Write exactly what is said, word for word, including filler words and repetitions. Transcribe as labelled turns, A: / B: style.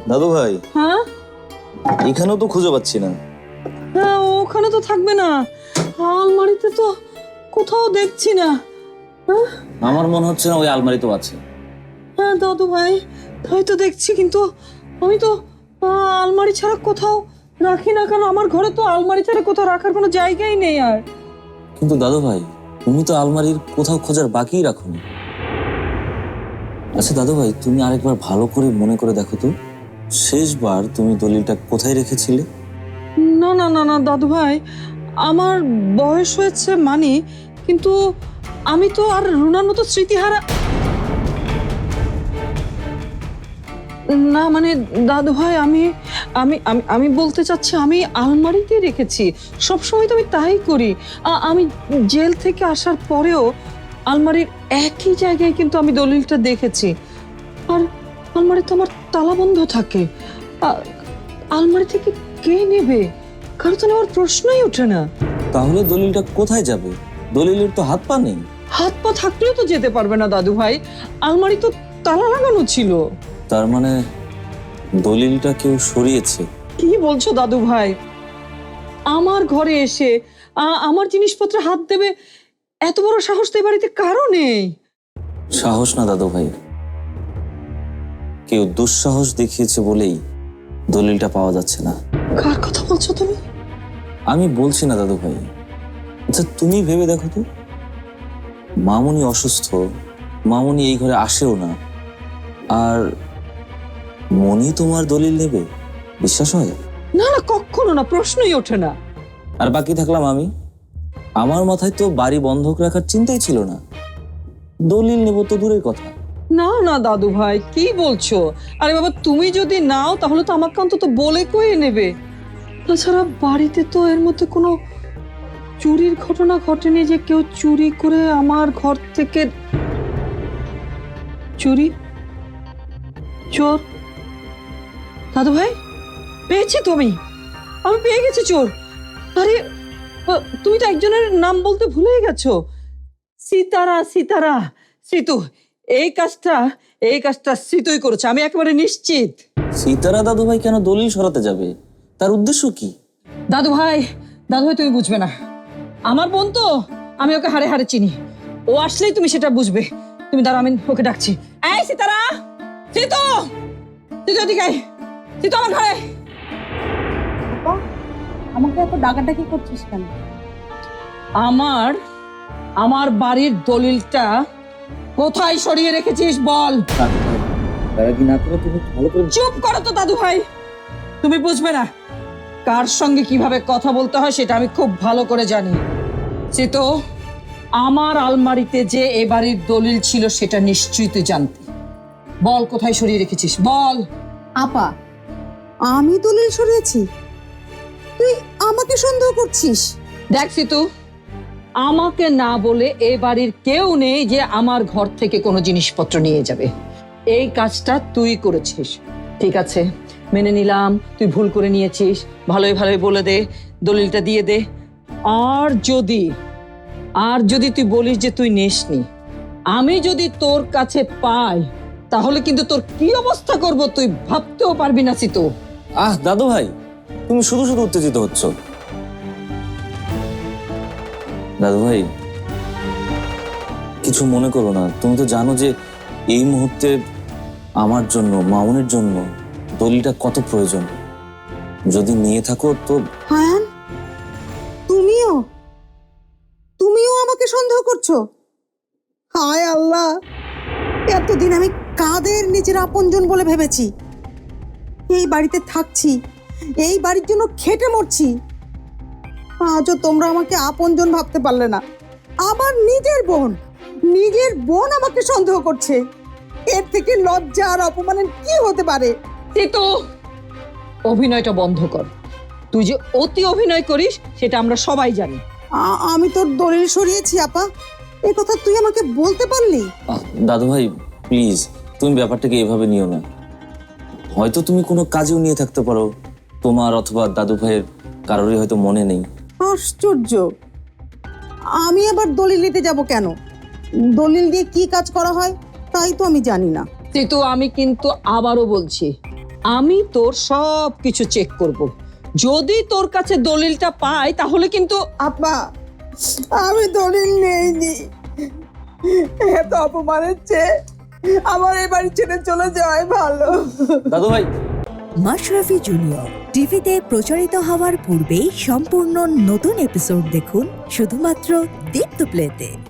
A: দাদু ভাই,
B: হ্যাঁ
A: এখানেও তো খুঁজে পাচ্ছি না।
B: হ্যাঁ ওখানে তো থাকবে না, আলমারিতে তো কোথাও দেখছি না। হ্যাঁ
A: আমার মনে হচ্ছে না ওই আলমারিতেও আছে।
B: হ্যাঁ দাদু ভাই, তাই তো দেখছি, কিন্তু আমি তো আহ, আলমারি ছাড়া কোথাও রাখি না কেন? আমার ঘরে তো আলমারি ছাড়া কোথাও রাখার কোনো জায়গাই নেই আর।
A: কিন্তু দাদু ভাই, তুমি তো আলমারির কোথাও খোঁজার বাকিই রাখোনি। আচ্ছা দাদু ভাই, তুমি আরেকবার ভালো করে মনে করে দেখো তো, শেষবার তুমি দলিলটা কোথায় রেখেছিলে?
B: না না না না দাদু ভাই, আমার বয়স হয়েছে মানি, কিন্তু আমি তো আর রুনার মতো স্মৃতিহারা না। মানে দাদু ভাই, আমি আমি আমি আমি বলতে চাচ্ছি, আমি আলমারিতে রেখেছি, সবসময় তো আমি তাই করি। আ- আমি জেল থেকে আসার পরেও আলমারির একই জায়গায় কিন্তু আমি দলিলটা দেখেছি। আর আলমারি তো আমার তালা বন্ধ থাকে। আ- আলমারি থেকে কে নেবে? কারো তো নেওয়ার প্রশ্নই ওঠে না।
A: তাহলে দলিলটা কোথায় যাবে? দলিলের তো হাত পা নেই।
B: হাত পা থাকলেও তো যেতে পারবে না দাদু ভাই, আলমারি তো তালা লাগানো ছিল।
A: তার মানে দলিলটা কেউ সরিয়েছে।
B: কি বলছো দাদু ভাই? আমার ঘরে এসে আ- আমার জিনিসপত্রে হাত দেবে, এত বড় সাহস তো এই বাড়িতে কারো নেই।
A: সাহস না দাদু ভাই, কেউ দুঃসাহস দেখিয়েছে বলেই দলিলটা পাওয়া যাচ্ছে না।
B: কার কথা বলছো তুমি?
A: আমি বলছি না দাদু ভাই। আচ্ছা তুমি ভেবে দেখো তো, মামুনি অসুস্থ, মামুনি এই ঘরে আসেও না, আর মনি তোমার দলিল নেবে? বিশ্বাস হয়?
B: না না, কখনো না, প্রশ্নই ওঠে না।
A: আর বাকি থাকলাম আমি। আমার মাথায় তো বাড়ি বন্ধক রাখার চিন্তাই ছিল না, দলিল নেব তো দূরের কথা।
B: না না দাদু ভাই, কি বলছো? আরে বাবা, তুমি যদি নাও তাহলে তো আমাকে অন্তত বলে কয়ে নেবে। তাছাড়া বাড়িতে তো এর মধ্যে কোনো চুরির ঘটনা ঘটেনি যে কেউ চুরি করে আমার ঘর থেকে। চুরি? চোর? দাদু ভাই, পেয়েছি তো আমি আমি পেয়ে গেছি চোর। আরে আ, তুমি তো একজনের নাম বলতে ভুলেই গেছো। সীতারা, সীতারা, সীতু। এই কাজটা এই কাজটা সীতুই করেছে, আমি একেবারে নিশ্চিত।
A: সীতারা দাদু ভাই কেন দলিল সরাতে যাবে? তার উদ্দেশ্য কি?
B: দাদু ভাই, দাদু ভাই তুমি বুঝবে না, আমার বোন তো, আমি ওকে হাড়ে হাড়ে চিনি। ও আসলেই তুমি সেটা বুঝবে। তুমি দাঁড়াও, আমি ওকে ডাকছি। এই সীতারা, সীতু, সীতু এদিকে আয়। সীতু আমার ঘরে।
C: আমাকে এত ডাকাডাকি করছিস কেন?
B: আমার আমার বাড়ির দলিলটা কোথায় সরিয়ে রেখেছিস বল।
A: তারা কি না করে তুমি ভালো করে।
B: চুপ করো তো দাদু ভাই, তুমি বুঝবে না কার সঙ্গে কিভাবে কথা বলতে হয় সেটা আমি খুব ভালো করে জানি। সীতু, আমার আলমারিতে যে এ বাড়ির দলিল ছিল সেটা নিশ্চয়ই তুই জানতি। বল কোথায় সরিয়ে রেখেছিস, বল।
C: আপা, আমি দলিল সরিয়েছি? তুই আমাকে সন্দেহ করছিস?
B: দেখ সীতু, আমাকে না বলে এ বাড়ির কেউ নেই যে আমার ঘর থেকে কোনো জিনিসপত্র নিয়ে যাবে। এই কাজটা তুই করেছিস, ঠিক আছে, মেনে নিলাম তুই ভুল করে নিয়েছিস। ভালোই ভালোই বলে দে, দলিলটা দিয়ে দে। আর যদি আর যদি তুই বলিস যে তুই নেসনি, আমি যদি তোর কাছে পাই তাহলে কিন্তু তোর কি অবস্থা করব তুই ভাবতেও পারবি না সীতু।
A: আহ দাদু ভাই, তুমি শুধু শুধু উত্তেজিত হচ্ছ। দাদু ভাই কিছু মনে করো না, তুমি তো জানো যে এই মুহূর্তে আমার জন্য, মামুনের জন্য দলিলটা কত প্রয়োজন। যদি নিয়ে থাকো তো।
C: হায়ান, তুমিও তুমিও আমাকে সন্দেহ করছো? হায় আল্লাহ, এতদিন আমি কাদের নিজের আপনজন বলে ভেবেছি। এই বাড়িতে থাকছি, এই বাড়ির জন্য খেটে মরছি, আজও তোমরা আমাকে আপনজন ভাবতে পারলে না। আমার নিজের বোন নিজের বোন আমাকে সন্দেহ করছে। এর থেকে লজ্জা আর অপমানের কি হতে পারে?
B: সীতু, অভিনয়টা বন্ধ কর। তুই যে অতি অভিনয় করিস সেটা আমরা সবাই জানি।
C: আ- আমি তোর দলিল সরিয়েছি আপা, এ কথা তুই আমাকে বলতে পারলি?
A: আহ, দাদু ভাই প্লিজ, তুমি ব্যাপারটাকে এভাবে নিও না। হয়তো তুমি কোনো কাজেও নিয়ে থাকতে পারো, তোমার অথবা দাদু ভাইয়ের কারোরই হয়তো মনে নেই।
C: আশ্চর্য, আমি আবার দলিল নিতে যাব কেন? দলিল দিয়ে কি কাজ করা হয় তাই তো আমি জানি না।
B: সীতু, আমি কিন্তু আবারও বলছি, আমি তোর সব কিছু চেক করব। যদি তোর কাছে দলিলটা পাই তাহলে কিন্তু
C: আপা আমি দলিল নেইনি, এত অপমানের চেয়ে আমার এই বাড়ি ছেড়ে চলে যাওয়াই ভালো।
A: দাদু ভাই,
D: মাশরাফি জুনিয়র টিভিতে প্রচারিত হওয়ার পূর্বেই সম্পূর্ণ নতুন এপিসোড দেখুন শুধুমাত্র দীপ্ত প্লেতে।